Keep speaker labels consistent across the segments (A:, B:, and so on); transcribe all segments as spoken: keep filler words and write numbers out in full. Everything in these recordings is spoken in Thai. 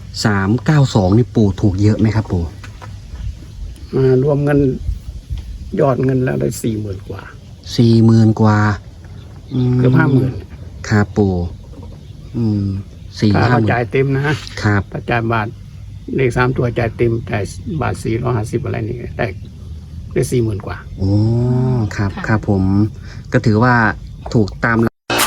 A: สามเก้าสองนี่ปู่ถูกเยอะไหมครับปู่
B: รวมเงินยอดเงินแล้วได้สี่หมื่นกว่า
A: สี่หมื่นกว่า
B: เกือบห้าหมื่น
A: ครับปู่อืมสี่ห้าหมื่น
B: จ่ายเต็มนะครับถ้าจ่ายบาทเลขสามตัวจ่ายเต็มจ่ายบาทสี่ร้อยห้าสิบอะไรนี่ได้ได้สี่หมื่นกว่า
A: โอ้ครับครับผมก็ถือว่าถูกตาม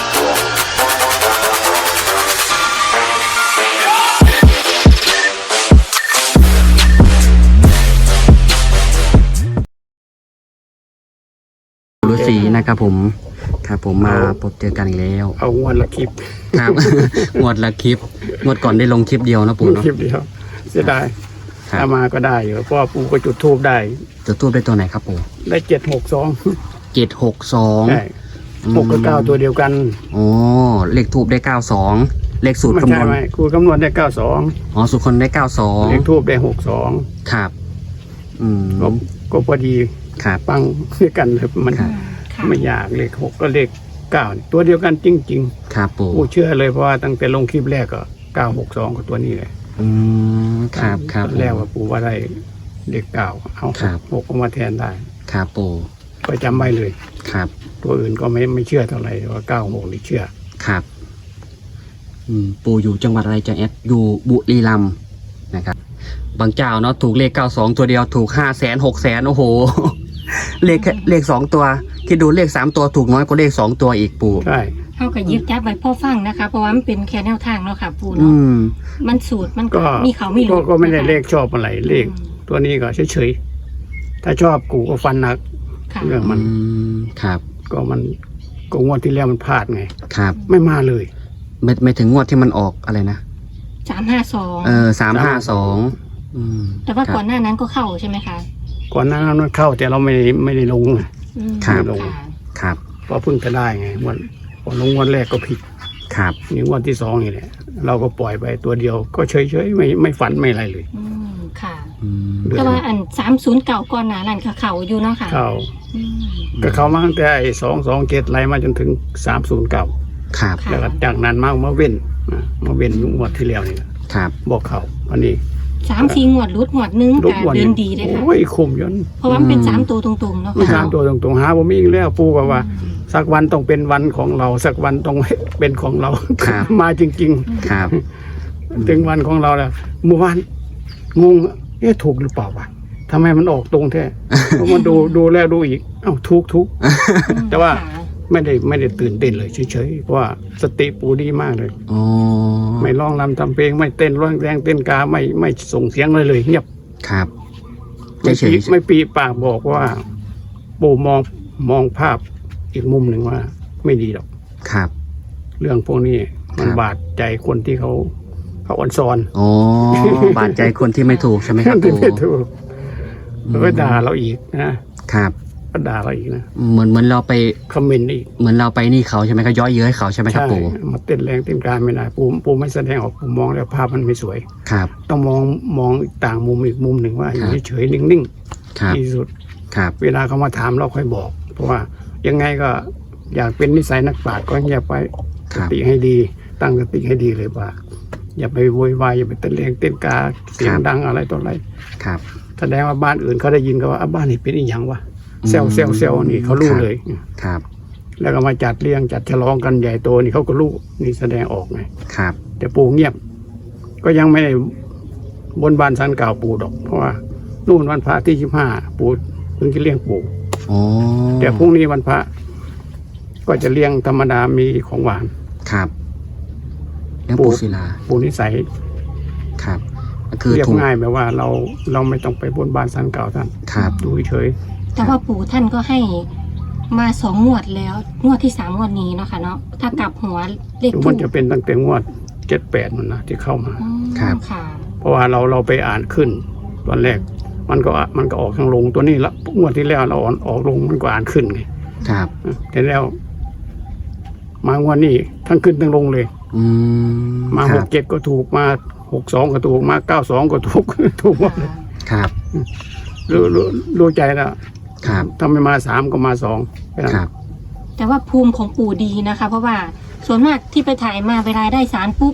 A: ฤาษีนะครับผมครับผมมาพบเจอกันอีกแล้ว
B: เอางวดละคลิป
A: ครับ งวดละคลิปงวดก่อนได้ลงคลิปเดียวนะปู่เนาะ
B: คลิปเดียวเสียดายถ้ามาก็ได้อยู่เพราะปู่ก็จุดธูปได้
A: จุดธูปได้ตัวไหนครับปู่
B: ได้เจ็ดหกสอง
A: เจ็ดหกสอง
B: ใช่หกกับเก้าตัวเดียวกัน
A: โอ้เลขทูบได้เก้าสองเลขสูตรคำนวณ
B: ไม่ครูคำนวณได้เก้าสอง
A: อ๋อสูตรคนได้เก้าสอง
B: เลขทูบได้หกสอง
A: ครับอืม
B: ก็พอดี
A: ครับ
B: ปังด้วยกันเลยมันไม่ยากเลขหกก็เลขเก้าตัวเดียวกันจริง
A: ๆครับปู่
B: ปู่เชื่อเลยเพราะว่าตั้งแต่ลงคลิปแรกก็เก้าหกสองกับตัวนี้เลย
A: อืมครับครับ
B: แล้วว่าปู่ว่าได้เลขเก้าเอาหกมาแทนได้
A: ครับปู่
B: ก็จำไว้เลย
A: ครับ
B: ตัวอื่นก็ไม่ไม่เชื่อเท่าไหร่ว่าเก้าหกนี่เชื่อ
A: ครับอืมปู่อยู่จังหวัดอะไรจังแอดอยู่บุรีรัมย์นะครับบางเจ้าเนาะถูกเลขเก้าสองตัวเดียวถูกห้าแสนหกแสนโอ้โหเลขเลขสองตัวคิดดูเลขสามตัวถูกน้อยกว่าเลขสองตัวอีกปู่
B: ใช่
C: เท่ากับยึดจับไว้พ่อฟังนะคะเพราะว่ามันเป็นแค่แนวทางเนาะค่ะปู่เนาะมันสูตรมันก็มีเขาไม่รู้
B: ก็ไม่ได้เลขชอบอะไรเลขตัวนี้ก็เฉยๆถ้าชอบกูก็ฟันหนักเรื่องมัน
A: ครับ
B: ก็มันก็งวดที่แล้วมันพลาดไง
A: ครับ
B: ไม่มาเลย
A: ไม่ไม่ถึงงวดที่มันออกอะไรนะ
C: สามห้าสอง
A: เออสามห้าสอง
C: แต่ว่าก่อนหน้านั้นก็เข้าใช่ไหมคะ
B: ก่อนหน้านั้นมันเข้าแต่เราไม่ไม่ได้ลง
A: ครับ
B: ลง
A: ครับ
B: เพราะเพิ่งจะได้ไงวันพอลงวันแรกก็ผิด
A: ครับ
B: นี่วันที่สองนี่แหละเราก็ปล่อยไปตัวเดียวก็เฉยเฉยไม่ไม่ฝันไม่อะไรเลย
C: อืมค่ะแต่ว่าอันสามศูนย์เก่าก่อนหน้านั้นเขาอยู่เนาะค่ะ
B: เข้าก็เข้ามาตั้งแต่ไอ้สองสองเจ็ดไล่มาจนถึงสามศูนย์เก่า
A: ครับ
B: แล้วก็จากนั้นมามาเว้นมาเว้นงวดที่แล้วนี่
A: ครับ
B: บอกเขาวันนี้
C: สามสี่งวดรุดงวดนึงแต่เดินดีเลยค่ะ
B: โอ้ยคุ้มยน
C: เพราะว่าเป็นสามตัวตรงๆเนาะ
B: สามตัวตรงๆหาผมมีอีกแล้วปูกับว่าสักวันต้องเป็นวันของเราสักวันต้องเป็นของเรามาจริง
A: ๆครับ
B: ถึงวันของเราแล้วเมื่อวานงงเอ๊ะถูกหรือเปล่าวะทำไมมันออกตรงแท้เพราะมันดูดูแล้วดูอีกเอ้าถูกถูกแต่ว่าไม่ได้ไม่ได้ตื่นเต้นเลยเฉยๆเพราะว่าสติปูดีมากเลยไม่ร้องรำทำเพลงไม่เต้นร้องแรงเต้นกาไม่ไม่ส่งเสียงเลยเลยเงียบ
A: ครับ
B: ไม่ปีไม่ปีปากบอกว่าปูมองมองภาพอีกมุมหนึ่งว่าไม่ดีหรอก
A: ครับ
B: เรื่องพวกนี้มันบาดใจคนที่เขาเขาอ่อนซอน
A: อ๋อบาดใจคนที่ไม่ถูกใช่ไหมครับปู่
B: ไม่ถูกแล้วก็ด่าเราอีกนะครับก็ด่าเราอีกนะ
A: เหมือนเหมือนเราไป
B: คอมเมนต์อีก
A: เหมือนเราไปนี่เขาใช่ไหมเขาย้อยเย้ยเขาใช่ไหมครับปู่
B: มาเต้นแรงเต้นการไม่ได้ปูปูไม่แสดงออกปูมองแล้วภาพมันไม่สวย
A: ครับ
B: ต้องมองมองต่างมุมอีกมุมหนึ่งว่าอยู่เฉยๆนิ่งๆที่สุด
A: ครับ
B: เวลาเขามาถามเราค่อยบอกเพราะว่ายังไงก็อยากเป็นนิสัยนักปราชญ์ก็อย่าไปสติให้ดีตั้งสติให้ดีเลยว่าอย่าไปโวยวายอย่าไปเต้นแรงเต้นกาเสียงดังอะไรต่ออะไร
A: ครับ
B: แสดงว่าบ้านอื่นเขาได้ยินก็ว่าบ้านนี้เป็นอีหยังวะเซลเซลเซลนี่เขารู้เลย
A: ครับ
B: แล้วก็มาจัดเลี้ยงจัดฉลองกันใหญ่โตนี่เขาก็รู้นี่แสดงออกไง
A: ครับ
B: แต่ปู่เงียบก็ยังไม่ได้บนบานสันกล่าวปู่ดอกเพราะว่านู่นวันพระที่สิบห้าปู่เพิ่งจะเลี้ยงปู่แต่พรุ่งนี้วันพระก็จะเลี้ยงธรรมดามีของหวาน
A: ครับเลี้ยงปู่ศิลา
B: ปู่นิสัย
A: ครับคือ
B: เรียบง่ายแบบว่าเราเราไม่ต้องไปบนบานสันกล่าวท่าน
A: ครับ
B: ดูเฉย
C: แต่ว่าปู่ท่านก็ให้มาสองงวดแล้วงวดที่สามงวดนี้เนาะค่ะเนาะถ้ากลับหัวเลขถูก
B: มันจะเป็นตั้งแต่งวดเจ็ดแปดมันนะที่เข้ามา
A: ครับ
C: ค่ะ
B: เพราะว่าเราเราไปอ่านขึ้นตอนแรกมันก็มันก็ออกทางลงตัวนี้ละงวดที่แล้วเราออกออกลงมันก็อ่านขึ้นไง
A: ครับ
B: แต่แล้วมางวดนี้ทั้งขึ้นทั้งลงเลยมาหกเจ็ดก็ถูกมาหกสองก็ถูกมาเก้าสองก็ถูกถูกหมดเลย
A: ครับ
B: รู้รู้รู้ใจแล้ว
A: ครับ
B: ถ้าไม่มาสามก็มาสอง
A: ครับ
C: แต่ว่าภูมิของปู่ดีนะคะเพราะว่าส่วนมากที่ไปถ่ายมาเวลาได้สารปุ๊บ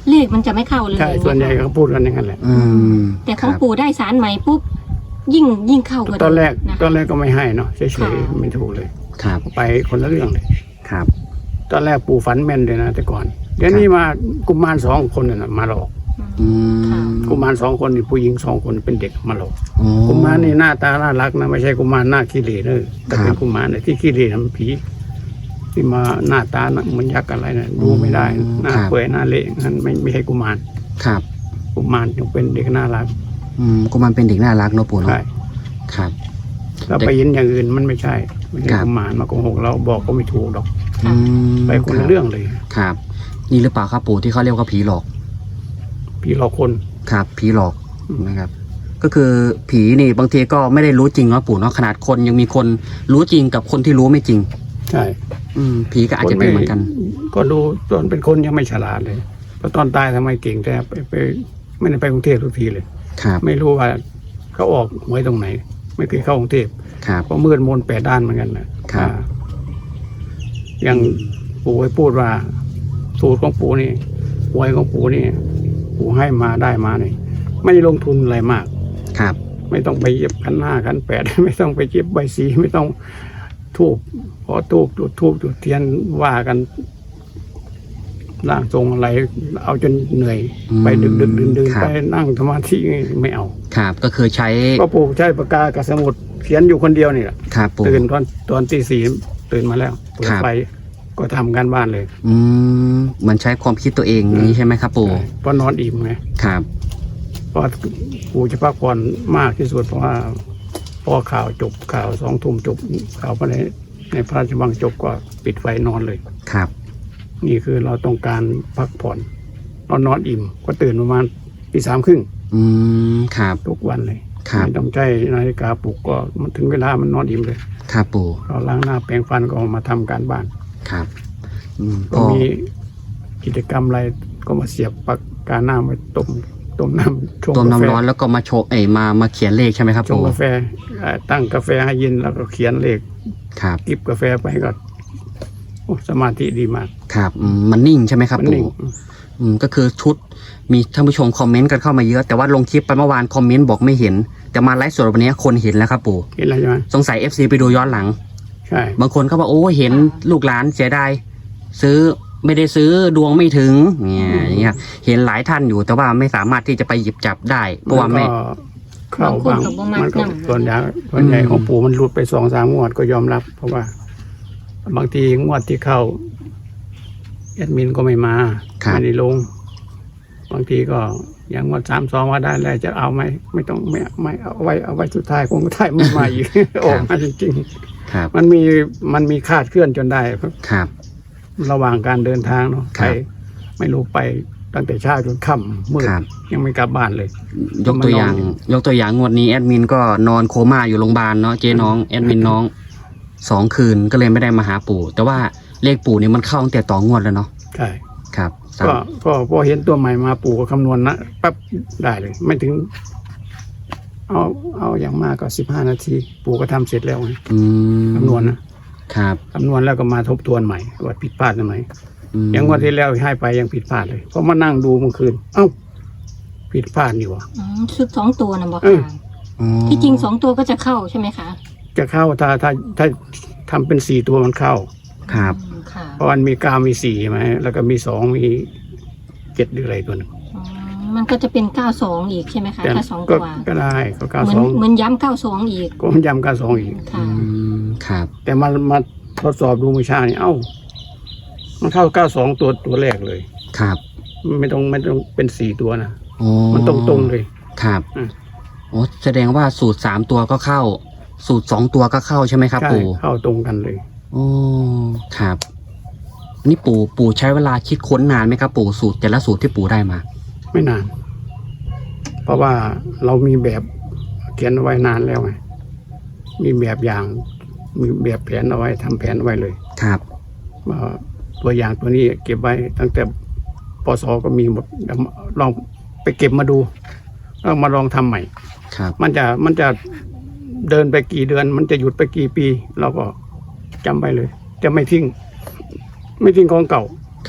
C: เลขมันจะไม่เข้าเลย
B: ใช่ส่วนใหญ่เขาพูดกันอย่างนั้นแหละ
A: อืม
C: แต่ของ
A: ครับ
C: ปู่ได้สารใหม่ปุ๊บยิ่งยิ่งเข้ากัน
B: ตอนแรก
C: นะคะ
B: ตอนแรกก็ไม่ให้เนาะเฉย
C: ค่ะ
B: ๆไม่ถูกเลย
A: ครับ
B: ไปคนละเรื่องเลย
A: ครับ
B: ตอนแรกปู่ฝันแม่นเลยนะแต่ก่อนเดี๋ยวนี้มากุมารสองคนน่ะมาหลอก
A: อืม
B: กุมารสองคนนี่ผู้หญิงสองคนเป็นเด็กมาหลอก
A: อ๋อ
B: กุมารนี่หน้าตาน่ารักนะไม่ใช่กุมารหน้าขี้เหร่เนอะแต่เป็
A: ครั
B: น
A: บ
B: กุมารเนี่ยที่ขี้เหร่ทำผีที่มาหน้าตาน่ะเหมันยักษ์อะไรนะดูไม่ได้นะหน้า
A: ครับ
B: เปื่อยหน้าเละนั่นไม่ไม่ใช่กุมาร
A: ครับ
B: กุมารยังเป็นเด็กน่ารัก
A: อืมกุมารเป็นเด็กน่ารักเนาะปู่เนาะ
B: ใช่
A: ครับ
B: เราไปเห็นอย่างอื่นมันไม่ใช่ไม่ใช่
A: ครับ
B: กุมารมาโกหกเราบอกก็ไม่ถูกหรอก
A: อืม
B: ไปคนละเรื่องเลย
A: ครับ นี่หรือเปล่าครับปู่ที่เขาเรียกว่าผีหลอก
B: ผีหลอกคน
A: ครับผีหลอกนะครับ ก็คือผีนี่บางทีก็ไม่ได้รู้จริงเนาะปู่เนาะขนาดคนยังมีคนรู้จริงกับคนที่รู้ไม่จริง
B: ใช่
A: อืมผีก็อาจจะเป็นเหมือนกัน
B: ก็ดูตอนเป็นคนยังไม่ฉลาดเลยเพราะตอนตายทำไมเก่งแต่ไปไปไม่ได้ไปกรุงเทพทุกทีเลย
A: ครับ
B: ไม่รู้ว่าเขาออกหวยตรงไหน ไม่เคยเข้ากรุงเทพ
A: ครับ
B: ก็มืดมนแปดด้านเหมือนกันนะครับ อ่าอย่างปู่ไปพูดว่า สูตรของปู่นี่หวยของปู่นี่ปู่ให้มาได้มาเนี่ยไม่ได้ลงทุนอะไรมาก
A: ครับ
B: ไม่ต้องไปเย็บขันห้าขันแปด ไม่ต้องไปเย็บใบสีไม่ต้องทูบพอทูบจุดทูบจุดเทียนว่ากันร่างทรงอะไร เอาจนเหนื่อย
A: อืม
B: ไปดึกดึกดื่นดื่น
A: ครับ
B: ไปนั่งสมาธิไม่เอา
A: ครับก็คือใช้
B: ก็ปู่ใช้ปากกากับสมุดเขียนอยู่คนเดียวนี่แหละ
A: ครับปู่
B: ตื่นตอนตอนตีสี่ตื่นมาแล้วเปิด
A: ครับ
B: ไฟก็ทำการบ้านเลย
A: อืมมันใช้ความคิดตัวเองอย่างนี้ใช่ไหมครับปู่
B: ใช่เพราะนอนอิ่มไง
A: ครับ
B: เพราะปู่จะพักผ่อนมากที่สุดเพราะว่าพอข่าวจบข่าวสองทุ่มจบข่าวภายในในพระราชวังจบก็ปิดไฟนอนเลย
A: ครับ
B: นี่คือเราต้องการพักผ่อนเรานอนอิ่มก็ตื่นประมาณตีสามครึ่ง
A: อืมครับ
B: ทุกวันเลย
A: ครับ
B: ไม่ต้องใช้นาฬิกาปลุกก็มันถึงเวลามันนอนอิ่มเลย
A: ครับปู่
B: เราล้างหน้าแปรงฟันก็ออกมาทำการบ้าน
A: ครับอืม
B: ก็
A: ก็
B: มีกิจกรรมอะไรก็มาเสียบปากกาหน้าไว้ต้มต้มน้ำชง
A: ต้ม
B: กาแฟ
A: น้ำร้อนแล้วก็มาโชว์เอ้ยมามาเขียนเลขใช่ไหมครับ
B: ชง
A: ปู่
B: กาแฟเอ่อตั้งกาแฟให้เย็นแล้วก็เขียนเลข
A: ครับ
B: กิบกาแฟไปก็โอ้สมาธิดีมาก
A: ครับอืมมันนิ่งใช่ไหมครับ
B: มันนิ่
A: ปู่
B: ง
A: อืมก็คือชุดมีท่านผู้ชมคอมเมนต์กันเข้ามาเยอะแต่ว่าลงคลิปไปเมื่อวานคอมเมนต์บอกไม่เห็น แต่มาไลฟ์สดวันนี้คนเห็นแล้วครับปู่
B: เห็นอะไรใช่ไหม
A: สงสัย เอฟ ซี ไปดูย้อนหลัง
B: ใช่
A: บางคนเขาบอกโอ้เห็นลูกหลานเสียดายซื้อไม่ได้ซื้อดวงไม่ถึงเนี่ยอย่างเงี้ยเห็นหลายท่านอยู่แต่ว่าไม่สามารถที่จะไปหยิบจับได้เพราะว่าไม่
B: นก็เข้าบาง
C: บางคนก็บ่มัก
B: มันก็
C: นำ
B: ส่วนใหญ่ส่วนใหญ่
A: อืม
B: ของปู่มันหลุดไปสองสามงวดก็ยอมรับ เพราะว่า บางทีงวดที่เข้าแอดมินก็ไม่มา
A: ครับ
B: ไม่ได้ลง บางทีก็อย่างงวดสามสองว่าได้แล้วจะเอาไหมไม่ต้องไม่ไม่เอาไว้เอาไว้สุดท้ายคงท้ายไม่มาอีก ออกมาจริง
A: ครับ
B: ๆมันมีมันมีคาดเคลื่อนจนได้
A: ครับ
B: ระหว่างการเดินทางเนาะ
A: ครั
B: ไป
A: บ
B: ไม่รู้ไปตั้งแต่เช้าจนค่ำมืด
A: ครับ
B: ยังไม่กลับบ้านเลย
A: ยกตัวอย่าง
B: มันนอน
A: ยกตัวอย่างงวดนี้แอดมินก็นอนโคม่าอยู่โรงพยาบาลเนาะเจ๊น้องแอดมินน้องสองคืนก็เลยไม่ได้มาหาปู่ แต่ว่าเลขปู่นี่มันเข้าตั้งแต่ต่องวดแล้วเนาะ
B: ใช่
A: ครับสาม
B: ก็ก็พอเห็นตัวใหม่มาปู่ก็คำนวณนะปั๊บได้เลย ไม่ถึง เอาเอาอย่างมากก็สิบห้านาที ปู่ก็ทำเสร็จแล้วไง
A: อืม
B: คำนวณนะครับ คำนวณแล้วก็มาทบทวนใหม่ว่าผิดพลาดตรงไหน
A: อืม
B: อย่างวันที่แล้วให้ไปยังผิดพลาดเลยเพราะมานั่งดูเมื่อคืน เอ้า ผิดพลาดนี่หวะ
C: อืมชุดสองตัวนะบอก
B: เออ
C: ค่ะ
A: อ๋อ
C: ที่จริงสองตัวก็จะเข้าใช่ไหมคะ
B: จะเข้าถ้าถ้าถ้าทำเป็นสี่ตัวมันเข้า
A: ครับ
C: อืมค่ะ
B: เพราะมันมีเก้ามีสี่ใช่ไหมแล้วก็มีสองมีเจ็ดหรืออะไรตัวหนึง
C: อืมมันก็จะเป็นเก้าสองอีกใช่ไหมคะ
B: แต่
C: ถ้าสอง
B: ก็
C: ตัว
B: ก็ได้ก็เก้า
C: เหมือ
B: ส
C: น
B: อง
C: เหมือนย้ำเก้าสองอีก
B: ก็มันย้ำเก้าสองอีก
C: ค่ะ
A: อืมครับ
B: แต่มามาทดสอบดูเมื่อเช้านี่เอ้า มันเข้าเก้าสองตัวตัวแรกเลย
A: ครับ
B: ไม่ต้องไม่ต้องเป็นสี่ตัวนะ
A: โอ้
B: มันตรงตรงๆเลย
A: ครับ
B: อืม
A: โอ้แสดงว่าสูตรสามตัวก็เข้า สูตรสองตัวก็เข้าใช่ไหมครับ
B: ใช่
A: ปู่
B: เข้าตรงกันเลย
A: โอ้ครับนี่ปู่ปู่ใช้เวลาคิดค้นนานไหมครับปู่สูตรแต่ละสูตรที่ปู่ได้มา
B: ไม่นาน เพราะว่าเรามีแบบเขียนเอาไว้นานแล้วไงมีแบบอย่าง มีแบบแผนเอาไว้ทำแผนเอาไว้เลย
A: ครับ
B: ว่าตัวอย่างตัวนี้เก็บไว้ตั้งแต่ปศก็มีหมดเดี๋ยวลองไปเก็บมาดูแล้วมาลองทำใหม่
A: ครับ
B: มันจะมันจะเดินไปกี่เดือน มันจะหยุดไปกี่ปี เราก็จำไปเลย จะไม่ทิ้ง ไม่ทิ้งของเก่า
A: ครับ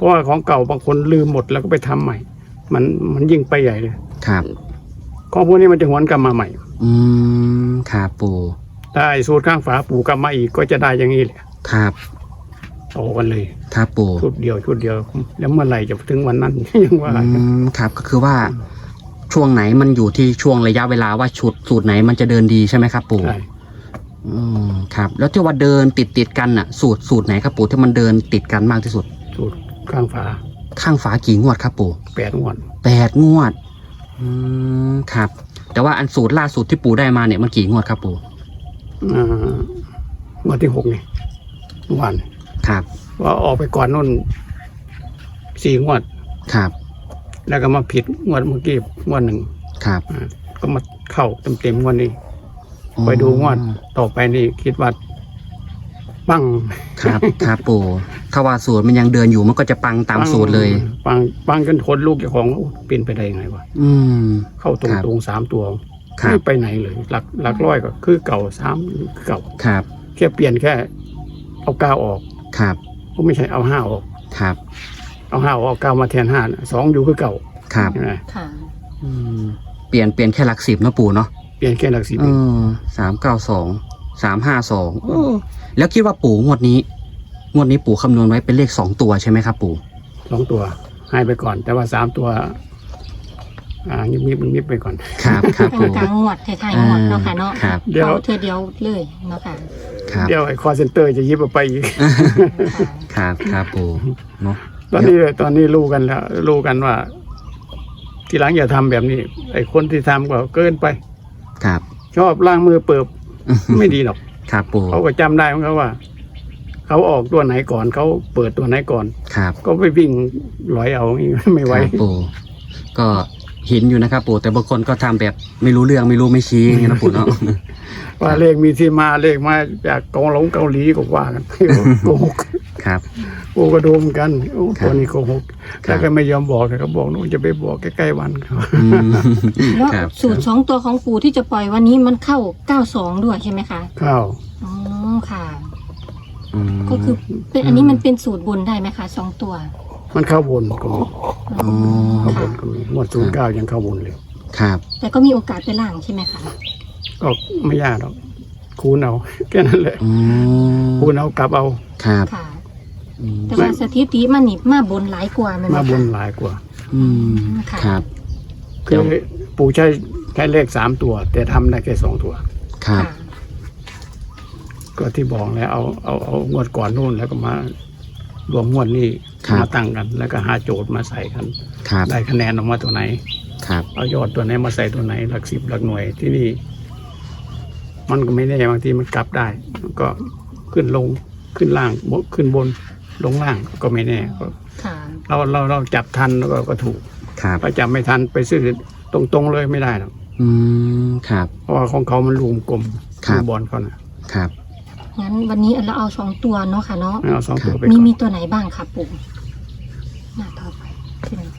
B: ราะว่าของเก่าบางคนลืมหมดแล้วก็ไปทำใหม่ มันมันยิ่งไปใหญ่เลย
A: ครับ
B: ของพวกนี้มันจะหวนกลับมาใหม่
A: อืมครับปู่
B: ถ้าไอ้สูตรข้างฝาปู่กลับมาอีกก็จะได้อย่างนี้แหละ
A: ครับ
B: โตกันเลย
A: ครับปู่
B: ชุดเดียวชุดเดียว แล้วเมื่อไหร่จะถึงวันนั้น ยังว่า
A: อืมครับก็คือว่าช่วงไหนมันอยู่ที่ช่วงระยะเวลาว่าชุดสูตรไหนมันจะเดินดีใช่ไหมครับปู่
B: ใช่
A: อืมครับ แล้วที่ว่าเดินติดติดๆกันอ่ะ สูตรสูตรไหนครับปู่ที่มันเดินติดกันมากที่สุด
B: สูตรข้างฝา
A: ข้างฝากี่งวดครับปู่
B: แปดงวด
A: แปดงวด อืมครับ แต่ว่าอันสูตรล่าสุดที่ปู่ได้มาเนี่ยมันกี่งวดครับปู่
B: อ่างวดที่หกนี่เมื่อวาน
A: ครับ
B: ว่าออกไปก่อนนู่นสี่งวด
A: ครับ
B: แล้วก็มาผิดงวดเมื่อกี้งวดหนึ่ง
A: ครับ
B: อ่าก็มาเข้าเต็มๆงวดนี้ ไปดูงวดต่อไปนี่คิดว่าปัง
A: ครับ ครับปู่ถ้าว่าสูตรมันยังเดินอยู่มันก็จะปังตามสูตรเลย
B: ปังปังจนทนลูกเจ้าของโอ้เป็นไปได้ยังไงวะ
A: อืม
B: เข้าตรง
A: ครับ
B: ตรงสามตัว
A: ครับ
B: ไม่ไปไหนเลย หลักหลักร้อยก็คือเก่าสามคือเก่า
A: ครับ
B: แค่เปลี่ยนแค่ เอาเก้าออก
A: ครับ
B: ก็ไม่ใช่เอาห้าออก
A: ครับ
B: เอาห้าออกเอาเก้ามาแทนห้าน่ะสองอยู่คือเก่า
A: ครับ
B: ใช่ไหม
C: ค่ะ
A: อืมเปลี่ยนเปลี่ยนแค่หลักสิบเนาะปู่เนาะ
B: เปลี่ยนแค่หลักสิบ
A: เออสามเก้าสองสามห้าสองแล้วคิดว่าปู่งวดนี้ งวดนี้ปู่คำนวณไว้เป็นเลขสองตัวใช่ไหมครับปู่
B: สองตัวให้ไปก่อน แต่ว่าสามตัว อ่ายิบยิบยิบไปก่อน
A: ครับครับ
C: เป็น
A: ปู่
C: กลางงวดท้ายๆงวดเนาะค่ะเนาะ
A: ครับ
B: เดี๋ยว
C: เอาเธอเดียวเลยเนาะค่ะ
A: ครับ
B: เดี๋ยวไอ้คอเซ็นเตอร์จะยิบออกไปอีก
C: ค่ะ
A: ครับครับปู่เนาะ
B: ตอนนี้ตอนนี้รู้กันแล้วรู้กันว่า ทีหลังอย่าทำแบบนี้ ไอ้คนที่ทำก็เกินไป
A: ครับ
B: ชอบล้างมือเปิบ ไม่ดีหรอก
A: ครับปู่
B: เขาก็จำได้ของเขาว่า เขาออกตัวไหนก่อนเขาเปิดตัวไหนก่อน
A: ครับ
B: ก็ไปวิ่งลอยเอา ไม่ไหว
A: ครับปู่ก็เห็นอยู่นะครับปู่แต่บางคนก็ทำแบบไม่รู้เรื่องไม่รู้ไม่ชี้อย่างเงี้ยนะปู่เนาะ
B: ว่าเลขมีที่มาเลขมาจากเกาหลงเกาหลีก็ว่ากัน โกหก
A: ครับ
B: กูก็โดนเหมือนกันโอ้
A: ครับ
B: ตัวนี้โกหก
A: ครับ
B: แต่ก็ไม่ยอมบอกแต่เขาบอกนู่นจะไปบอกใกล้ๆวันเขา
A: อืม
C: แล้ว
A: ครับ
C: สูตรสองตัวของปู่ที่จะปล่อยวันนี้มันเข้าเก้าสองด้วยใช่ไหมคะ
B: ข้าว
C: อ๋อค่ะ
A: อืม
C: ก็คือเป็นอันนี้มันเป็นสูตรบนได้ไหมคะสองตัว
B: มันเข้าบนก็มี
A: อ๋อ
B: เข้าบนก็มีหมดศูนย์เก้ายังเข้าบนเลย
A: ครับ
C: แต่ก็มีโอกาสไปล่างใช่ไหมคะ
B: ก็ไม่ยากหรอกคูณเอา แค่นั้นแหละ
A: อืม
B: คูณเอากลับเอา
A: ครับ
C: ค่ะ
A: อืม
C: แต่ว่าสถิติมันนี่มาบนหลายกว่าไหม
B: มา
C: คะ
B: บนหลายกว่า
A: อืม
C: ค่ะ
A: ครับ
B: คือปู่ใช้ใช้เลขสามตัว แต่ทำได้แค่สองตัว
A: ครับ
C: ค่ะ
B: ก็ที่บอกแล้วเอาเอาเอางวดก่อนนู่นแล้วก็มารวมงวดนี้
A: ครับ
B: มาตั้งกัน แล้วก็หาโจทย์มาใส่กัน
A: ครับ
B: ได้คะแนนออกมาตัวไหน
A: ครับ
B: เอายอดตัวไหนมาใส่ตัวไหนหลักสิบหลักหน่วยที่นี่ มันก็ไม่แน่บางทีมันกลับได้มันก็ขึ้นลงขึ้นล่างบนขึ้นบนลงล่างก็ไม่แน่ก็
C: ค่ะ
B: เราเราเราจับทันแล้วก็ก็ถูก
A: ครับ
B: ถ้าจับไม่ทันไปซื้อตรงๆเลยไม่ได้หรอก
A: อืมครับ
B: เพราะว่าของเขามันลูมกลม
A: ครับ
B: ลูกบอลเขานะครับ
C: งั้นวันนี้เราเอาสองตัวเนาะค่ะเนาะ
B: เอาสองตัวไป
C: มี
B: ก่อน
C: มีตัวไหนบ้างคะปู่หน้าต่อไปที่ไหน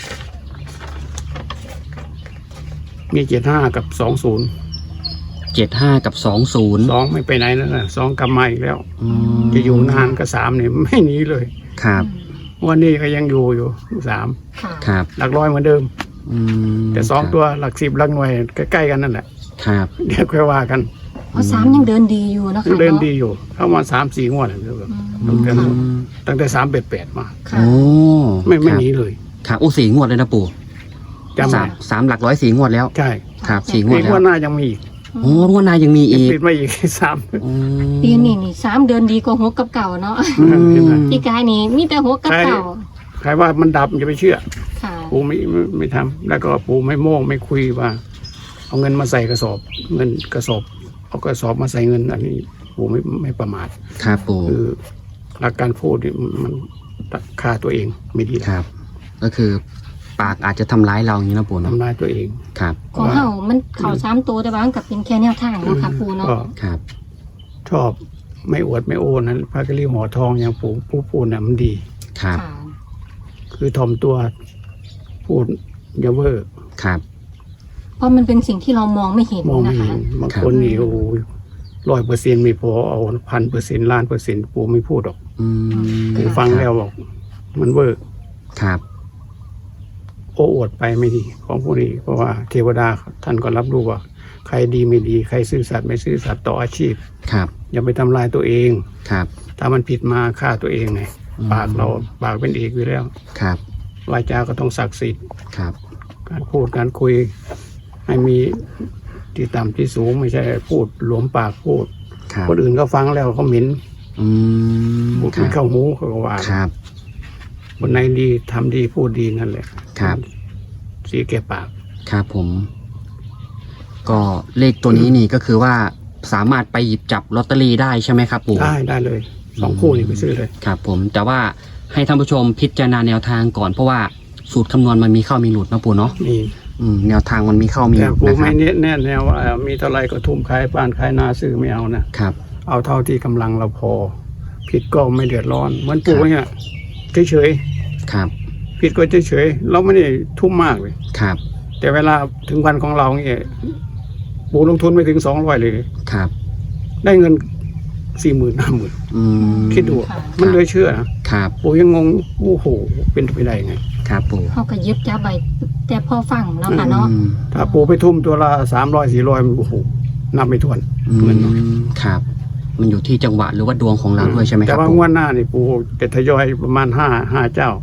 B: มีเจ็ดห้ากับสองศูนย์
A: เจ็ดห้ากับสองศูนย์
B: สองไม่ไปไหนนั่นแหละสองกลับมาอีกแล้ว
A: อืม
B: จะอยู่นานก็สามเนี่ยไม่หนีเลย
A: ครับ
B: วันนี้ก็ยังอยู่อยู่สาม
C: ค่ะ
A: ครับ
B: หลักร้อยเหมือนเดิม
A: อืม
B: แต่สองตัวหลักสิบหลักหน่วยใกล้ๆกันนั่นแหละ
A: ครับ
B: เดี๋ยวค่อยว่ากัน
C: เพราะสามยังเดินดีอยู่นะคะ
B: เดิน
C: เนาะ
B: ดีอยู่ เข้ามาสามสี่งวดแล้วเดี๋ยว
C: อืม
B: ตั้งแต่
C: ค่ะ
B: ตั้งแต่สามเป็ดแปดมา
C: ค่ะ
A: โอ้
B: ไม่ไม่
A: ครับ
B: หนีเลย
A: ครับโอ้สี่งวดเลยนะปู่
B: จำ
A: สามสามหลักร้อยสี่งวดแล้ว
B: ใช่
A: ครับสี่งว
B: อี
A: ด
B: ก
A: แล้
B: ง
A: ว
B: วดหน้ายังมีอีก
A: โอ้งวดหน้ายังมีอีก
B: ปิดมาอีก สาม
A: อืม
C: ปีนี้นี่สามเดินดีกว่าหกกับเก่าเนาะ
A: อืม
B: เห็นไหม
C: พี่กายนี่มีแต่หกกับเก่า
B: ใครว่ามันดับอย่าไปเชื่อ
C: ค่ะ
B: ปูไม่ไม่ไม่ทำแล้วก็ปูไม่โม้ไม่คุยว่า เอาเงินมาใส่กระสอบ เงินกระสอบเอากระสอบมาใส่เงิน อันนี้ปูไม่ไม่ประมาท
A: ครับปู่
B: คือหลักการพูดนี่มันฆ่าตัวเองไม่ดี
A: ครับ ก็คือปากอาจจะทำร้ายเราอย่างนี้นะปู่เนอะ
B: ทำร้ายตัวเอง
A: ครับ
C: ของเฮามันเข่าสามตัวแต่ว่ามันกับเป็นแค่แนวทางเนาะค่ะปู่เนาะ
B: ก็
A: ครับ
B: ชอบไม่อวดไม่โอ้นั้นพระกะลีหอทองอย่างปูผู้พูดน่ะมันดี
A: ครับ
C: ค่ะ
B: คือถ่อมตัวพูดอย่าเวอร์
A: ครับ
C: เพราะมันเป็นสิ่งที่เรามองไม่เห็น
B: มองไม่
C: นะ
B: เห็
C: คะ
B: นบางคนนี่โอ้ร้อยเปอร์เซ็นต์ไม่พอเอาพันเปอร์เซ็นต์ล้านเปอร์เซ็นต์ปูไม่พูดหรอก
A: อืม
B: ปูฟังแล้วบอกมันเวิร์ก
A: ครับ
B: โอ้อวดไปไม่ดีของพวกนี้เพราะว่าเทวดาท่านก็รับรู้ว่าใครดีไม่ดีใครซื่อสัตย์ไม่ซื่อสัตย์ต่ออาชีพ
A: ครับ
B: อย่าไปทำลายตัวเอง
A: ครับ
B: ถ้ามันผิดมาฆ่าตัวเองไง
A: อืม
B: ปากเราปากเป็นเอกอยู่แล้ว
A: ครับ
B: วาจาก็ต้องศักดิ์สิทธิ์
A: ครับ
B: การพูดการคุย ให้มีที่ต่ำที่สูงไม่ใช่พูดหลวมปากพูด
A: ครับ
B: คนอื่นก็ฟังแล้วเขาเหม็น
A: อืม
B: พูด
A: ครั
B: ไม่
A: บ
B: เข้าหูเขาก็ว่า
A: ครับ
B: คนไหนดีทำดีพูดดีนั่นแหละ
A: ครับ
B: สีแก่ปาก
A: ครับผม ก็เลขตัวนี้นี่ก็คือว่าสามารถไปหยิบจับลอตเตอรี่ได้ใช่ไหมครับปู่
B: ได้ได้เลยสองคู่นี่ไปซื้อเลย
A: ครับผมแต่ว่าให้ท่านผู้ชมพิจารณาแนวทางก่อนเพราะว่าสูตรคำนวณมันมีเข้ามีหลุดนะปู่เนาะ
B: นี่
A: อืมแนวทางมันมีเข้ามีห
B: แต่
A: ลุด
B: ปู
A: นะค
B: ไม่
A: รับ
B: เน้นแน่แนวว่ามีเท่าไรก็ทุ่มขายบ้านขายนาซื้อไม่เอานะครับ เอาเท่าที่กำลังเราพอ ผิดก็ไม่เดือดร้อนเหมือนปู
A: ครับ
B: เนี่ยเฉย
A: ครับ
B: ๆผิดก็เฉยๆเราไม่ได้ทุ่มมากเลย
A: ครับ
B: แต่เวลาถึงวันของเราเนี่ยปูลงทุนไม่ถึงสองร้อยเลย
A: ครับ
B: ได้เงินสี่หมื่นห้าหมื่น
A: อืม
B: คิดดู
C: ค่ะ
B: มันเลยเชื่อนะครับ ปูยังงงโอ้โหเป็นไปได้ไง
A: ครับปู่
C: เขาก็ยึบจับไปแต่พอฟังเนาะค่ะเนาะ
A: อืม
B: ถ้าปูไปทุ่มตัวละสามร้อยสี่ร้อยโอ้โหนับไม่ถ้วน
A: อื
B: เงินเนาะ
A: มครับ มันอยู่ที่จังหวะหรือว่าดวงของเราด้วยใช่ไหมค
B: แต่
A: รับ
B: ว่า
A: ปู่
B: งวดหน้านี่ปูจะทยอยประมาณห้าห้าเจ้า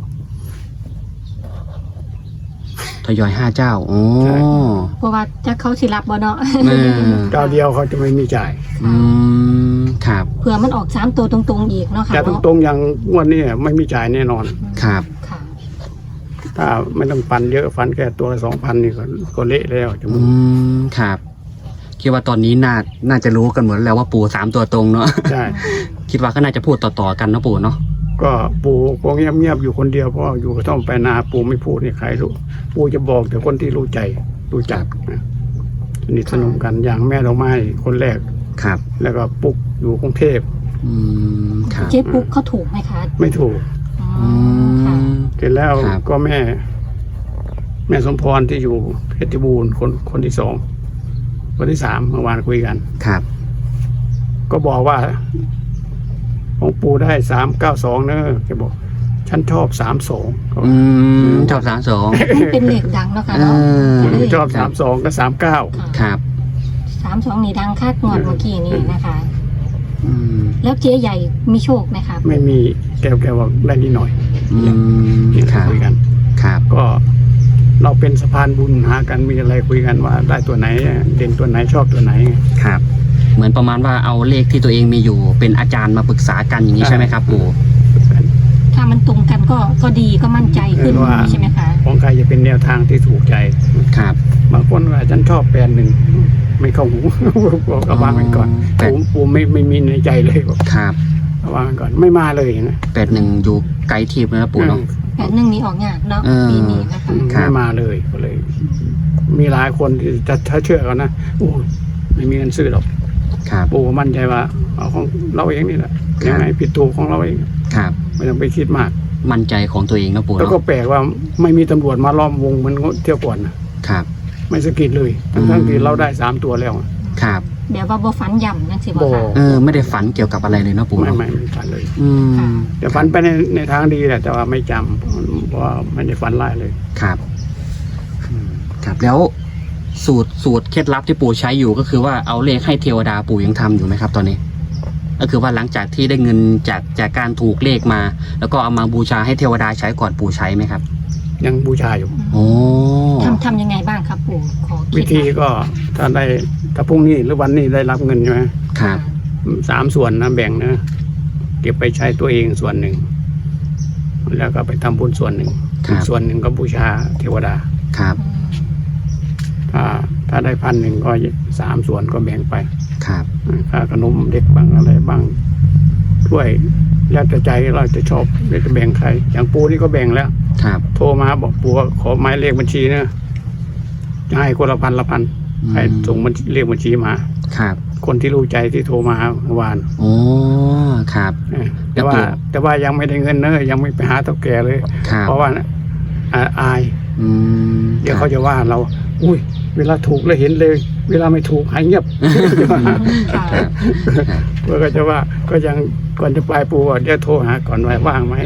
A: ทยอยห้าเจ้าอ๋อ
B: ใช่
C: เพราะว่าจะเขาสิรับบ่เนาะ
A: เออ
B: เจ้าเดียวเขาจะไม่มีจ่าย
A: อืมครับ
C: เผื่อมันออกสามตัวตรงๆอีกเนาะค่ะ
B: แต่ต
C: เนาะ
B: รงๆอย่างงวดนี้ไม่มีจ่ายแน่นอน
A: ครับ
C: ค่ะ
B: ถ้าไม่ต้องฟันเยอะฟันแค่ตัวละสองพันนี่ก็ก็เละแล้วจ
A: อื
B: มูก
A: มครับคิดว่าตอนนี้น่าน่าจะรู้กันหมดแล้วว่าปู่สามตัวตรงเนาะ
B: ใช่
A: คิดว่าก็น่าจะพูดต่อๆกันเนาะปู่เนาะ
B: ก็ปูก็เงียบๆอยู่คนเดียวเพราะว่าอยู่กระท่อมไปนาปูไม่พูดนี่ใครรู้ปูจะบอกแต่คนที่รู้ใจรู้จักนะสนิทสนมกันอย่างแม่ดอกไม้คนแรก
A: ครับ
B: แล้วก็ปุ๊กอยู่กรุงเทพ
A: อืมครับ
C: เจ๊ปุ๊กเขาถูกไหมคะ
B: ไม่ถูก
C: อ๋อ
A: อื
C: ค่ะ
A: ม
B: เสร็จแล้ว
A: ครับ
B: ก็แม่ แม่สมพรที่อยู่เพชรบูรณ์คนคนที่สองคนที่สามเมื่อวานคุยกัน
A: ครับ
B: ก็บอกว่า ของปูได้สามเก้าสองเนอะแกบอก ฉันชอบสามสอง
A: อืมชอบสามสอง
C: มันเป็นเลขดังเนาะค่ะ
A: เอ
C: เนาะ
A: อ
B: ชอบสามสองก็สามเก้า
A: ครับ
C: สามสองนี่ดังคาดงวดเมื่อกี้นี่นะคะ
A: อืม
C: แล้วเจ๊ใหญ่มีโชคไหมคะ
B: ไม่มีแกแกบอกได้นิดหน่อย
A: อืม
B: นี่
A: ครับ
B: คุยกัน
A: ครับ
B: ก็เราเป็นสะพานบุญหากันมีอะไรคุยกันว่า ได้ตัวไหน เด่นตัวไหนชอบตัวไหน
A: ครับ เหมือนประมาณว่าเอาเลขที่ตัวเองมีอยู่เป็นอาจารย์มาปรึกษากันอย่างนี้ใช่ไหมครับปู่
C: ถ้ามันตรงกันก็ก็ดีก็มั่นใจขึ้น
B: เออว่า
C: ใช่ไหมคะ
B: ของใครจะเป็นแนวทางที่ถูกใจ
A: ครับ
B: บางคนว่าฉันชอบแปลนหนึ่งไม่เข้าหู บอกก็วางไว้ก่อน
A: แต่
B: ปูปูไม่ไม่มีในใจเลยบอก
A: ครับ
B: วางไว้ก่อนไม่มาเลยนะ
A: แปดหนึ่งอยู่ไกลทีมเลยนะปู่เนาะ
C: แปดหนึ่งนี้ออกยากเนาะ
A: เออ
C: ปีนี้นะคะ
B: อืม
A: ครับ
B: ไม่มาเลยก็เลย มีหลายคนที่จะถ้าเชื่อกันนะโอ้ยไม่มีเงินซื้อหรอก
A: ครับ
B: ปูมั่นใจว่าเอาของเราเองนี่แหละ
A: ครับ
B: ยังไงผิดถูกของเราเอง
A: ครับ
B: ไม่ต้องไปคิดมาก
A: มั่นใจของตัวเองนะปู่
B: แล้ว
A: เนาะ
B: ก็แปลกว่าไม่มีตำรวจมาล้อมวงเหมือนเที่ยวก่อนนะครับ ไม่สะกิดเลย ทั้งทั้งที่เราได้สามตัวแล้ว
A: ครับ
C: แบบว่าบ่ฝันย่ำนั่นสิบ่
B: บ่
C: ค่ะ
A: เออไม่ได้ฝันเกี่ยวกับอะไรเลยนะปู่
B: ไม่
A: เนาะ
B: ไม่ไม่ฝันเลย
A: อืม
C: ค่ะ
B: แต่ฝันไปในในทางดีแหละแต่ว่าไม่จำเพราะว่าไม่ได้ฝันร้ายเลย
A: ครับอืมครับแล้วสูตรสูตรเคล็ดลับที่ปู่ใช้อยู่ก็คือว่าเอาเลขให้เทวดาปู่ยังทำอยู่ไหมครับ ตอนนี้ ก็คือว่าหลังจากที่ได้เงินจากจากการถูกเลขมา แล้วก็เอามาบูชาให้เทวดาใช้ก่อนปู่ใช้ไหมครับ
B: ยังบูชาอยู่
A: โอ้
C: ทำทำยังไงบ้างครับปู่ขอคิด
B: วิธีก็ถ้าได้ถ้าพรุ่งนี้หรือวันนี้ได้รับเงินใช่ไหม
A: ครับ
B: สามส่วนนะแบ่งนะเก็บไปใช้ตัวเองส่วนหนึ่ง แล้วก็ไปทำบุญส่วนหนึ่ง
A: ครั
B: อี
A: บ
B: กส่วนหนึ่งก็บูชาเทวดา
A: ครับ
B: ถ้าถ้าได้พันหนึ่งก็สามส่วนก็แบ่งไป
A: ครับ
B: ค่าขนมเด็กบ้างอะไรบ้างช่วยแล้วแต่ใจเราจะชอบจะแบ่งใคร อย่างปูนี่ก็แบ่งแล้ว
A: ครับ
B: โทรมาบอกปูว่าขอหมายเลขบัญชีนะจะให้คนละพันละพัน
A: อืม
B: ให้ส่งบัญชีเลขบัญชีมา
A: ครับ
B: คนที่รู้ใจที่โทรมาเมื่อวาน
A: โอ้ครับ
B: เออแต่ว่า
A: แล้วปู่
B: แต่ว่ายังไม่ได้เงินเนอะยังไม่ไปหาเท่าแก่เลย
A: ครับ
B: เพราะว่าอ่าอาย
A: อืม
B: เดี๋ยว
A: ครั
B: เขา
A: บ
B: จะว่าเรา อุ้ย เวลาถูกแล้วเห็นเลย เวลาไม่ถูกหายเงียบ
C: ค่ะ
A: ครับ
B: เพื่อก็จะว่าก็ยังก่อนจะไปปูว่าเดี๋ยวโทรหาก่อนว่าว่างไหม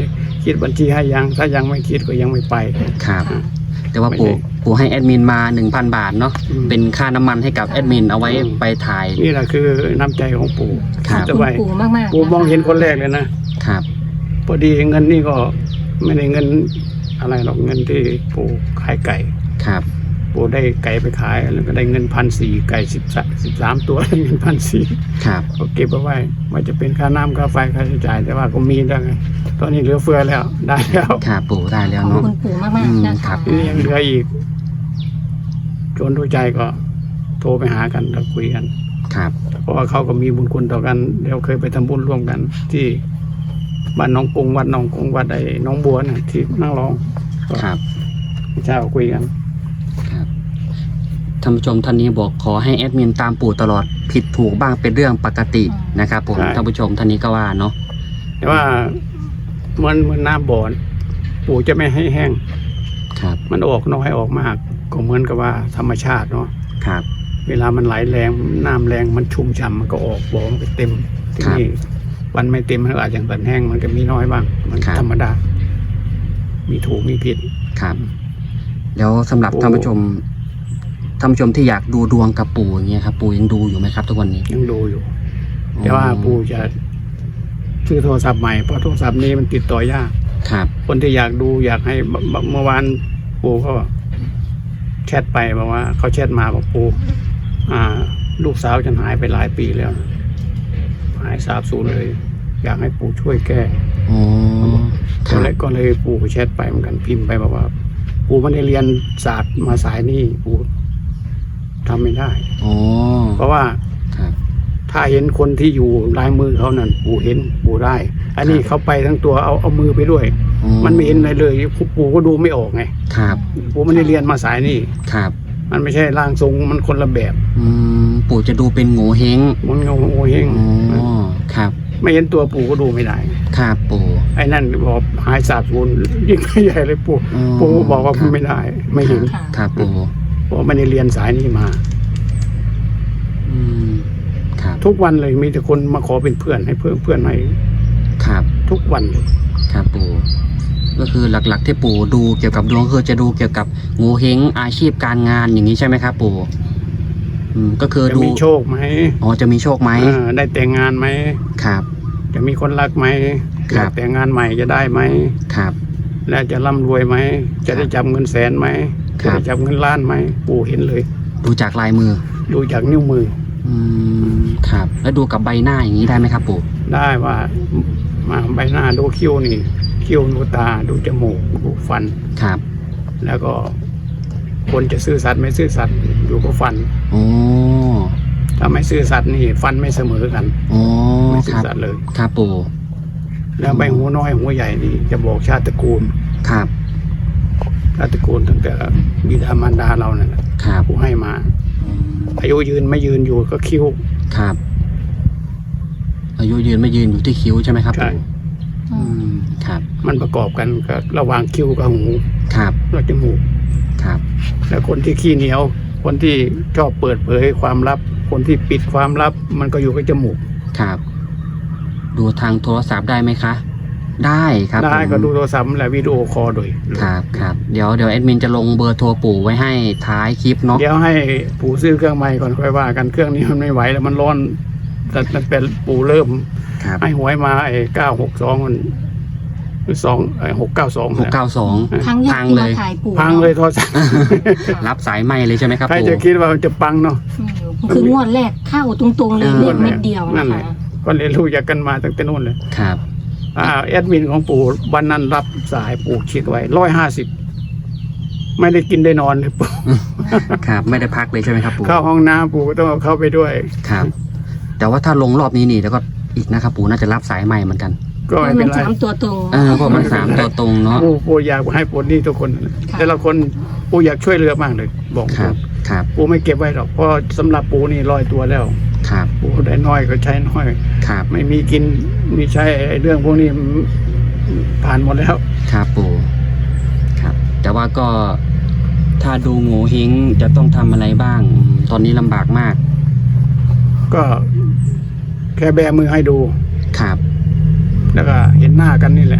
B: คิดบัญชีให้ยังถ้ายังไม่คิดก็ยังไม่ไป
A: ครับ
C: ค่ะ
A: แต่ว่า
B: ไม่
A: ปู่
B: ได้
A: ปู่ให้แอดมินมาหนึ่งพันบาทเนาะ
B: อืม
A: เป็นค่าน้ำมันให้กับแอดมินเอาไว้
B: อืม
A: ไปถ่าย
B: นี่แหละคือน้ำใจของปู่
A: ครับ
B: จะ
C: คุณ
B: ไป
C: ปู่มากมากๆ
B: ปู่มองเห็นคน
C: แรก
B: แรกเลยนะครับ พอดีเงินนี่ก็ไม่ได้เงินอะไรหรอกเงินที่ปู่ขายไก่
A: ครับ
B: ปู่ได้ไก่ไปขายแล้วก็ได้เงินพันสี่ไก่สิบสิบสามตัวได้เงินพันสี่
A: ครับ
B: ก็เก็บเอาไว้ว่าจะเป็นค่าน้ำค่าไฟค่าใช้จ่ายแต่ว่าก็มีแล้วไงตอนนี้เหลือเฟือแล้วได้แล้ว
A: ครับปู่ได้แล้ว
C: ขอบ
A: เนาะ
C: คุณปู่มากมาก
A: อืม
C: ๆนะ
A: ครั
C: คะ
A: บ
B: ทีนี้ยังเหลืออีกจนรู้ใจก็โทรไปหากันแล้วคุยกัน
A: ครับ
B: เพราะว่าเขาก็มีบุญคุณต่อกันเดี๋ยวเคยไปทำบุญร่วมกัน ที่บ้านหน้องกรุงวัดหน้องกรุงวัดไอ้หน้องบัวน่ะที่นั่งร้องก็
A: ครับ
B: เช้าคุยกัน
A: ครับท่านผู้ชมท่านนี้บอกขอให้แอดมินตามปู่ตลอดผิดถูกบ้างเป็นเรื่องปกตินะครับผมท่านผู้ชมท่านนี้ก็ว่าเนาะ
B: แต่ว่ามันเหมือนน้ำบ่อนปู่จะไม่ให้แห้ง
A: ครับ
B: มันออกน้อยออกมาก ก็เหมือนกับว่าธรรมชาติเนาะ
A: ครับ
B: เวลามันไหลแรงน้ำแรงมันชุ่มฉ่ำมันก็ออกบ่อมันก็เต็มทีนี้วันไม่เต็มมันก็อาจจะตันแห้งมันก็มีน้อยบ้าง มันธรรมดา มีถูกมีผิด
A: ครับแล้วสำหรับ
B: ปู่
A: ท่านผู้ชมท่านผู้ชมที่อยากดูดวงกับปู่อย่างเงี้ยครับปู่ยังดูอยู่ไหมครับทุกวันนี้
B: ยังดูอยู่ แต่ว่าปู่จะซื้อโทรศัพท์ใหม่เพราะโทรศัพท์นี้มันติดต่อยาก
A: ครับ
B: คนที่อยากดูอยากให้เมื่อเมื่อวานปู่ก็แชทไปบอกว่าเขาแชทมาบอกปู่อ่า ลูกสาวฉันหายไปหลายปีแล้วนะหายสาบสูญเลย อยากให้ปู่ช่วยแก้
A: อ๋อค
B: ก็
A: รับ
B: เลยก็เลยปู่ก็แชทไปเหมือนกันพิมพ์ไปบอกว่า ปู่ไม่ได้เรียนศาสตร์มาสายนี้ปู่ทำไม่ได้
A: อ๋อ
B: เพราะว่า
A: ครับ
B: ถ้าเห็นคนที่อยู่ลายมือเขานั่นปู่เห็นปู่ได้ อันนี้
A: ครับ
B: เขาไปทั้งตัวเอาเอามือไปด้วย
A: อ๋อ
B: มันไม่เห็นอะไรเลยปู่ก็ดูไม่ออกไง
A: ครับ
B: ปู่ไม่ได้เรียนมาสายนี้
A: ครับ
B: มันไม่ใช่ร่างทรงมันคนละแบบ
A: อืมปู่จะดูเป็นโง่เฮง
B: มันเงาโอเฮง
A: อ๋อครับ
B: ไม่เห็นตัวปู่ก็ดูไม่ได้
A: ครับปู่
B: ไอ้นั่นบอกหายสาบสูญยิ่งไม่ใหญ่เลยปู่
A: อ๋อ
B: ปู่บอกว่า
A: ครับ
B: ไม่ได้ ไม่เห็น
C: ค่ะ
A: ครับปู่
B: เพราะไม่ได้เรียนสายนี้มา
A: อืมครับ
B: ทุกวันเลยมีแต่คนมาขอเป็นเพื่อนให้เพื่อนเพื่อนให้
A: ครับ
B: ทุกวันเลย
A: ครับปู่ก็คือหลักๆที่ปู่ดูเกี่ยวกับดวงคือจะดูเกี่ยวกับโง่เฮงอาชีพการงานอย่างนี้ใช่ไหมครับปู่อืมก็คือ
B: จะ
A: ดู
B: มีโชคไหม
A: อ๋อจะมีโชคไหม
B: เออได้แต่งงานไหม
A: ครับ
B: จะมีคนรักไหม
A: ครับ
B: อยากแต่งงานใหม่จะได้ไหม
A: ครับ
B: และจะร่ำรวยไหมจะได้จับเงินแสนไหม
A: ค
B: จะ
A: รับ
B: ได้จับเงินล้านไหมปู่เห็นเลย
A: ดูจากลายมือ
B: ดูจากนิ้วมือ
A: อืมครับ แล้วดูกับใบหน้าอย่างนี้ได้ไหมครับปู่
B: ได้ว่ามาใบหน้าดูคิ้วนี่คิ้วดูตาดูจมูกดูฟัน
A: ครับ
B: แล้วก็ คนจะซื่อสัตย์ไม่ซื่อสัตย์อยู่กับฟัน
A: โอ้
B: ถ้าไม่ซื่อสัตย์นี่ฟันไม่เสมอกัน
A: โอ้
B: ไม่
A: ค
B: ซื่อ
A: รับ
B: สัตย์เลย
A: ครับปู่
B: แล้วใบหูน้อยหูใหญ่นี่จะบอกชาติตระกูล
A: ครับ
B: ชาติตระกูลตั้งแต่บิดามารดาเราเนี่ย
A: ครับ
B: ผู้ให้มา
A: อืม
B: อายุยืนไม่ยืนอยู่ก็คิ้ว
A: ครับ อายุยืนไม่ยืนอยู่ที่คิ้วใช่ไหมครับ
B: ใช่
A: ปู่
C: อื
A: อื
C: ม
A: มครับ
B: มันประกอบกันกับระหว่างคิ้วกับหู
A: ครับ
B: และจมูก
A: ครับ
B: แล้วคนที่ขี้เหนียว คนที่ชอบเปิดเผยความลับ คนที่ปิดความลับ มันก็อยู่กับจมูก
A: ครับ ดูทางโทรศัพท์ได้ไหมคะ ได้ครับ
B: ได้
A: ผม
B: ก็ดูโทรศัพท์และวิดีโอคอลโดย
A: ครับครับเดี๋ยวเดี๋ยวแอดมินจะลงเบอร์โทรปู่ไว้ให้ท้ายคลิปเนาะ
B: เดี๋ยวให้ปู่ซื้อเครื่องใหม่ก่อนค่อยว่ากันเครื่องนี้มันไม่ไหวแล้วมันร้อนแต่มันเป็นปู่เริ่ม
A: ครับ
B: ให้หวยมาไอ้เก้าหกสองมันสองไอ้หกเก้าสอง
A: หกเก้าสอง
C: ครั้งแรก
A: พัง
C: ที่
A: เล
C: มาย ถ่ายปู่
B: พังเลยโทรศัพท์
A: รับสายไหมเลยใช่ไหมครับ
B: ใคร
A: ปู่
B: จะคิดว่ามันจะปังเนาะ
C: อืมคืองวดแรกเข้าตรงๆเลย
A: เออ
C: เลขเม็ดเดียว
B: นั่
C: นะ
B: นแห
C: คะ
B: ละ ก็เรียนรู้จากกันมาตั้งแต่นู้นเลย
A: ครับ
B: อ่าแอดมินของปู่วันนั้นรับสายปู่คิดไว้ร้อยห้าสิบไม่ได้กินได้นอนเลยปู่
A: ครับไม่ได้พักเลยใช่ไหมครับปู่
B: เข้าห้องน้ำปู่ก็ต้องเอาเข้าไปด้วย
A: ครับ แต่ว่าถ้าลงรอบนี้นี่แล้วก็อีกนะครับปู่น่าจะรับสายใหม่เหมือนกัน
B: ก็ไม่
C: มั
B: เป็น
C: น
B: ไร
C: สามตัวตรง
A: เออเพราะมันสามตัวตรงเนาะ
B: ปู่ปู่อยากให้ปลดหนี้ทุกคน
C: ค่ะ
B: แต่ละคนปู่อยากช่วยเหลือมากเลย บอก
A: ครับครับ
B: ปู่ไม่เก็บไว้หรอกเพราะสำหรับปู่นี่ร้อยตัวแล้ว
A: ครับ
B: ปู่ได้น้อยก็ใช้น้อย
A: ครับ
B: ไม่มีกินมีใช้ไอ้เรื่องพวกนี้มันผ่านหมดแล้ว
A: ครับปู่ครับ แต่ว่าก็ถ้าดูโง่เฮงจะต้องทำอะไรบ้างอืมตอนนี้ลำบากมาก
B: ก็แค่แบมือให้ดู
A: ครับ
B: แล้วก็เห็นหน้ากันนี่แหละ วิ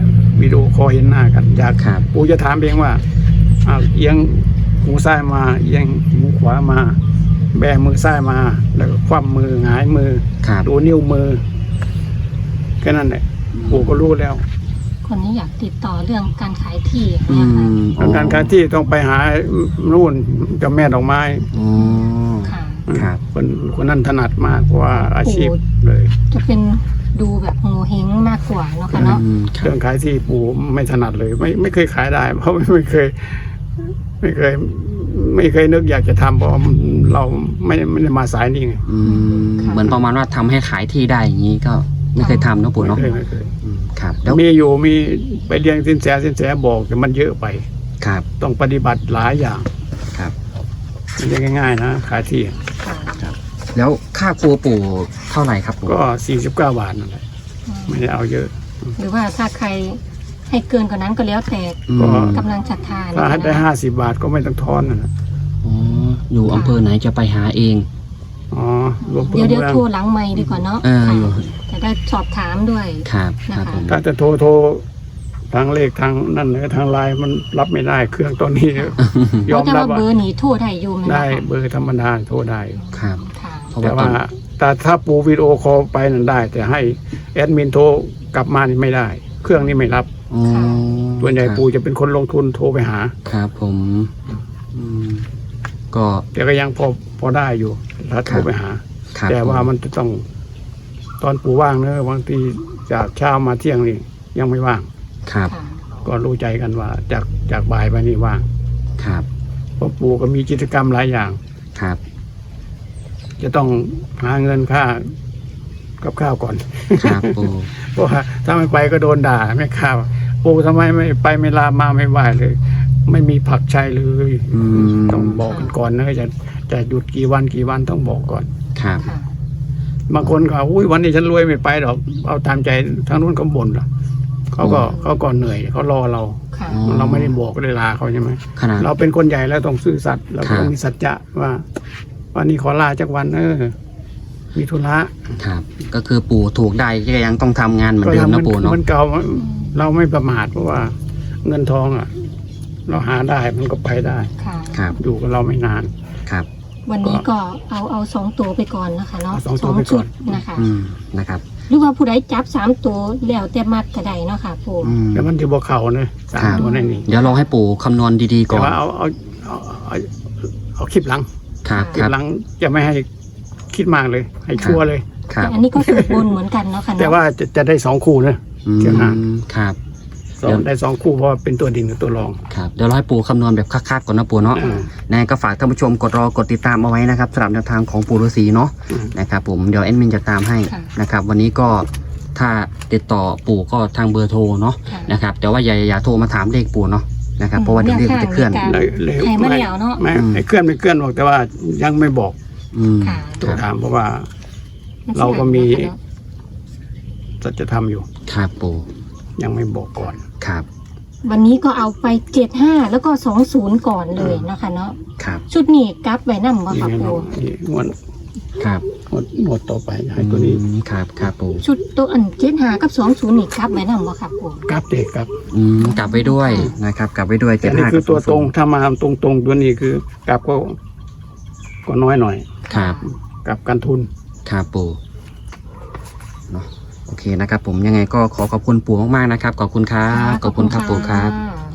B: วิดีโอคอลเห็นหน้ากันอยาก
A: ครับ
B: ปู่จะถามเองว่าอ้าวเอียงหูซ้ายมาเอียงหูขวามาแบมือซ้ายมาแล้วก็คว่ำมือหงายมือ
A: ครับ
B: ดูนิ้วมือแค่นั้นแหละปู่ก็รู้แล้ว
C: คนนี้อยากติดต่อเรื่องการขายที่
A: อื
C: เนี่ยค่ะ
A: ม
B: ทางการการที่ต้องไปหานู่นเจ้าแม่ดอกไม้
A: อ๋อ
C: ค่ะ
A: ครับ
B: คนคนนั้นถนัดมากเพราะว่าอาชีพ
C: โอ้
B: เลย
C: จะเป็นดูแบบโงเฮงมากกว่าเนาะค่ะเนาะ
A: อืมครั
B: เรื่
A: บ
B: องขายที่ปู่ไม่ถนัดเลย ไม่ไม่เคยขายได้ เพราะไม่เคย ไม่เคย ไม่เคยนึกอยากจะทำเพราะเราไม่ไม่ได้มาสายนี้ไง
A: อืมเหมือนประมาณว่าทำให้ขายที่ได้อย่างนี้ก็ไม่เคยทำเนอะปู่
B: ไม่
A: เนาะ
B: เคยไม่เคย
A: อืมครับแล้ว
B: มีอยู่มีไปเรียนสินแสสินแสบอกแต่มันเยอะไป
A: ครับ
B: ต้องปฏิบัติหลายอย่าง
A: ครับ
B: ไม่ใช่ง่ายๆนะขายที่
C: ค่ะ
A: แล้วค่าครัวปู่เท่าไหร่ครับปู่
B: ก็สี่สิบเก้าบาทนั่นแหละไม่ได้เอาเยอะ
C: หรือว่าถ้าใครให้เกินกว่านั้นก็แล้วแต่
A: อืม
B: ก็
C: กำลังศรัทธา
B: ถ้าให้ได้
C: นะคะ
B: ห้าสิบบาทก็ไม่ต้องทอนนะ
A: อ๋ออยู่อำเภอไหนจะไปหาเอง
B: อ๋อรวม
C: เดี๋ยวเดี๋ยว
B: เมือง
C: โทรหลังไมค์ดีกว่าเนาะ
A: เออ
C: ค่ะ
A: อยู่
C: จะได้สอบถามด้วย
A: ครับครับผม
B: ถ้าจะโทรโทรทางเลขทางนั่นเลยทางไลน์มันรับไม่ได้เครื่องตอนนี้ ยอม
C: แต่
B: รับ
C: ว่า
B: ว่า
C: เบอร์หนีโทรได้อยู่ไหม
B: ได้
C: นะคะ
B: เบอร์ธรรมดาโทรได้
A: ครับ
C: ค่ะ
A: เพราะ
B: แต่
A: ว่าตอ
B: ว่าน แต่ถ้าปูวิดีโอคอลไปนั่นได้ แต่ให้แอดมินโทรกลับมานี่ไม่ได้ เครื่องนี้ไม่รับ
A: อ๋อ
B: ส่วนใหญ่
A: ครับ
B: ปูจะเป็นคนลงทุนโทรไปหา
A: ครับผมอืมก็
B: แต่ก็ยังพอพอได้อยู่ถ้าโทรไปหา
A: ครับ
B: แต่ว่า
A: ผ
B: มันจะต้องตอนปูว่างเนอะบางทีจากเช้ามาเที่ยงนี่ยังไม่ว่าง
A: ครับ
C: ค่ะ
B: ก็รู้ใจกันว่าจากจากบ่ายไปนี่ว่าง
A: ครับ
B: เพราะปูก็มีกิจกรรมหลายอย่าง
A: ครับ
B: จะต้องหาเงินค่ากับข้าวก่อน
A: ครับปู่
B: เพราะว่าถ้าไม่ไปก็โดนด่าแม่ข้าวปูทำไมไม่ไปไม่ลามาไม่ไหวเลย ไม่มีผักใช้เลย
A: อืม
B: ต้องบอกกันก่อนนะจะจะหยุดกี่วันกี่วันต้องบอกก่อน
A: ครับ
C: ค่ะ
B: บางคนเขาอุ้ยวันนี้ฉันรวยไม่ไปหรอกเอาตามใจทางนู้นก็บ่นหรอกเขาก็เขาก็เหนื่อยเขารอเรา
C: ค่ะ
A: อ๋อ
B: เราไม่ได้บอกเวลาเขาใช่ไหม
A: ขนาด
B: เราเป็นคนใหญ่แล้วต้องซื่อสัตย์เรา
A: ครับ
B: ต้องมีสัจจะว่า วันนี้ขอลาจากวันเออมีธุระ
A: ครับ ก็คือปู่ถูกได้ก็ยังต้องทำงานเหมือนเดิมนะปู่เนาะ
B: มันเก่าเราไม่ประมาทเพราะว่าเงินทองอ่ะ เราหาได้มันก็ไปได้
C: ค่ะ
A: ครับ
B: อยู่กับเราไม่นาน
A: ครับ
C: วันนี้ก็เอาเอาสองตัวไปก่อนนะคะเนาะ
B: เอาสองตัวไปก่
C: ชุ
B: อ
C: ด
B: น
C: นะคะ
A: อืมนะครับ
C: หรือว่าผู้ใดจับสามตัวแล้วแต่มัดก็ได้เนาะค่ะปู่
A: อืม
B: แล้วมันจะบอกเขาเนอะสาม
A: ครับ
B: ตัวนั่นนี่
A: เดี๋ยวลองให้ปู่คำนวณดีๆก่
B: แต่
A: อน
B: ว่าเอาเอาเอาเอาเอาคลิปหลัง
A: ครับ
B: ค
A: ค
B: ลิป
A: รับ
B: หลังจะไม่ให้คิดมากเลย ให้ชัวร์เลย
A: ครับ
C: แต่อันนี้ก็สูตรบนเหมือนกันเนาะค่ะเนาะ
B: แต่ว่าจะจะได้สองคู่นะ
A: อื
B: เดี๋ยวนะ
A: มครับ
B: สองได้สองคู่เพราะว่าเป็นตัวดิ่งกับตัวรอง
A: ครับเดี๋ยวเราให้ปู่คำนวณแบบคักๆก่อนนะปู่เนาะ
B: อืม
A: นะก็ฝากท่านผู้ชมกดรอกดติดตามเอาไว้นะครับสำหรับแนวทางของปู่ฤาษีเนาะ
B: อืม
A: นะครับผมเดี๋ยวแอดมินจะตามให้นะครับ วันนี้ก็ถ้าติดต่อปู่ก็ทางเบอร์โทรเนาะ
C: ค่ะ
A: นะครับแต่ว่าอย่าอย่าโทรมาถามเลขปู่เนาะนะครับเพราะว่าเดี๋ยวเลขมันจะเคลื่อน
C: แนวทาง
B: เลยเลย
C: ให้มาแล้วเนาะ
B: ไม่
A: อืม
B: ไอ้เคลื่อนไม่เคลื่อนบอกแต่ว่ายังไม่บอก
A: อืม
C: ค่ะ
B: ตัว
A: ครับ
B: ถามเพราะว่า เราก็มี จะจะทำอยู่
A: ครับปู่
B: ยังไม่บอกก่อน
A: ครับ
C: วันนี้ก็เอาไปเจ็ดห้าแล้วก็สองศูนย์ก่อนเลยนะคะเนาะ
A: ครับ
C: ชุดนี้กลับไว้นั่บ่
B: นี่
C: ค่ะ
B: ไงน้อ
C: ปู่
B: งนี่งวด
A: ครับ
B: งวดงวดต่อไปให้ตัวนี้
A: อืมครับครับปู่
C: ชุดตัวอันเจ็ดห้ากับสองศูนย์นี่กลับไว้นั่บ่ค่ะปู่
B: กราฟเด็กครับ
A: อืมกลับไปด้วยนะครับ กลับไปด้วย
B: แต่
A: เจ็ด
B: นี่
A: ห้า
B: คือตัวตรงถ้ามาตรงตรงๆตัวนี้คือกราฟก็ก็น้อยหน่อย
A: ครับ
B: กราฟการทุน
A: ครับปู่เนาะโอเคนะครับ ผมยังไงก็ขอขอบคุณปู่มากๆนะครับขอบคุณครับขอบคุณครับปู่ครับ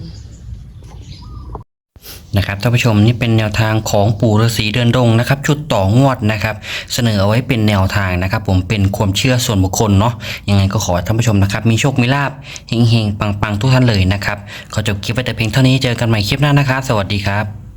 A: นะครับท่านผู้ชมนี่เป็นแนวทางของปู่ฤาษีเดินดงนะครับ ชุดต่องวดนะครับ เสนอเอาไว้เป็นแนวทางนะครับ ผมเป็นความเชื่อส่วนบุคคลเนาะยังไงก็ขอให้ท่านผู้ชมนะครับมีโชคมีลาภเฮงๆปังๆทุกท่านเลยนะครับขอจบคลิปไว้แต่เพียงเท่านี้เจอกันใหม่คลิปหน้านะครับสวัสดีครับ